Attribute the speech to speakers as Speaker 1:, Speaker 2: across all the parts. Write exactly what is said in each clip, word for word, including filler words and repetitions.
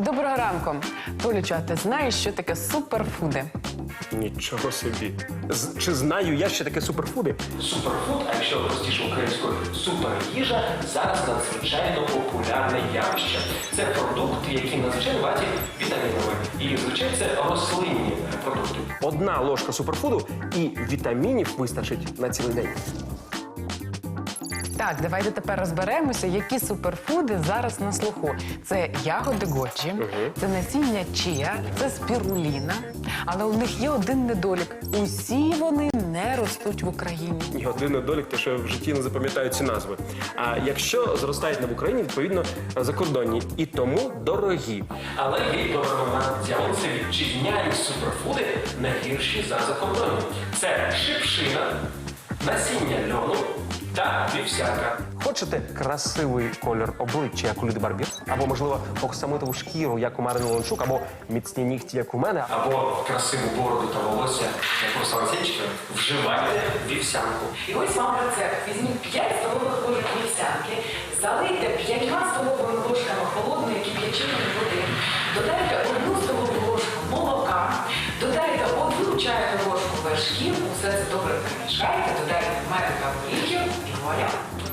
Speaker 1: Доброго ранку. Толічу, а ти знаєш, що таке суперфуди?
Speaker 2: Нічого собі. З- чи знаю я, що таке суперфуди?
Speaker 3: Суперфуд, а якщо простіше українською суперїжа, зараз надзвичайно популярне явище. Це продукти, які надзвичайно багаті вітамінами. І, звичайно, це рослинні продукти.
Speaker 2: Одна ложка суперфуду і вітамінів вистачить на цілий день.
Speaker 1: Так, давайте тепер розберемося, які суперфуди зараз на слуху. Це ягоди годжі, це насіння чия, це спіруліна. Але у них є один недолік. Усі вони не ростуть в Україні.
Speaker 2: І один недолік, те, що в житті не запам'ятаю ці назви. А якщо зростають не в Україні, відповідно закордонні. І тому дорогі.
Speaker 3: Але є добра новина. З'явилися вітчизняні суперфуди не гірші за закордонні. Це шипшина, насіння льону та вівсянка.
Speaker 2: Хочете красивий колір обличчя, як у Ліди Барбір? Або, можливо, оксамитову шкіру, як у Марини Леончук, або міцні нігті, як у мене?
Speaker 3: Або красиву бороду та волосся, як у Руслан-Сенчика, вживайте вівсянку.
Speaker 4: І ось вам рецепт. Візьміть п'ять столових ложок вівсянки, залийте п'ятьма столовими ложками холодної кип'яченої води, додайте одну столову ложку молока, додайте одну чайну ложку вершків, усе це добре перемішайте, додайте меду та горіхів і вуаля.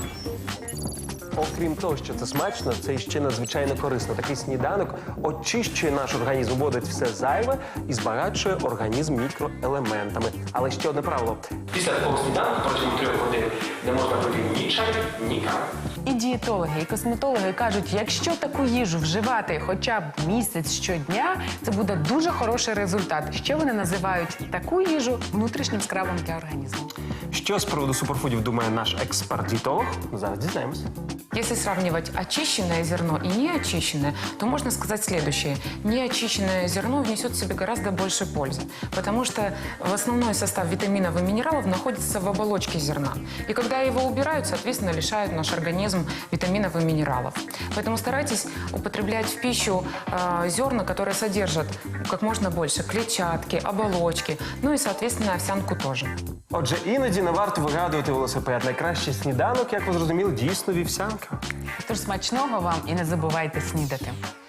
Speaker 2: Окрім того, що це смачно, це ще надзвичайно корисно. Такий сніданок очищує наш організм, вводить все зайве і збагачує організм мікроелементами. Але ще одне правило.
Speaker 3: Після такого сніданку протягом трьох годин не можна пити ні чай, ні кави.
Speaker 1: І дієтологи, і косметологи кажуть, якщо таку їжу вживати хоча б місяць щодня, це буде дуже хороший результат. Ще вони називають таку їжу внутрішнім скравом для організму.
Speaker 2: Що з приводу суперфудів думає наш експерт-дієтолог? Зараз дізнаємося.
Speaker 5: Если сравнивать очищенное зерно и неочищенное, то можно сказать следующее. Неочищенное зерно внесет в себе гораздо больше пользы, потому что в основной состав витаминов и минералов находится в оболочке зерна. И когда его убирают, соответственно, лишают наш организм витаминов и минералов. Поэтому старайтесь употреблять в пищу э, зерна, которые содержат как можно больше клетчатки, оболочки, ну и, соответственно, овсянку тоже.
Speaker 2: Отже, іноді не варто вигадувати велосипед. Найкращий сніданок, як ви зрозуміли, дійсно вівсянка.
Speaker 1: Тож смачного вам і не забувайте снідати.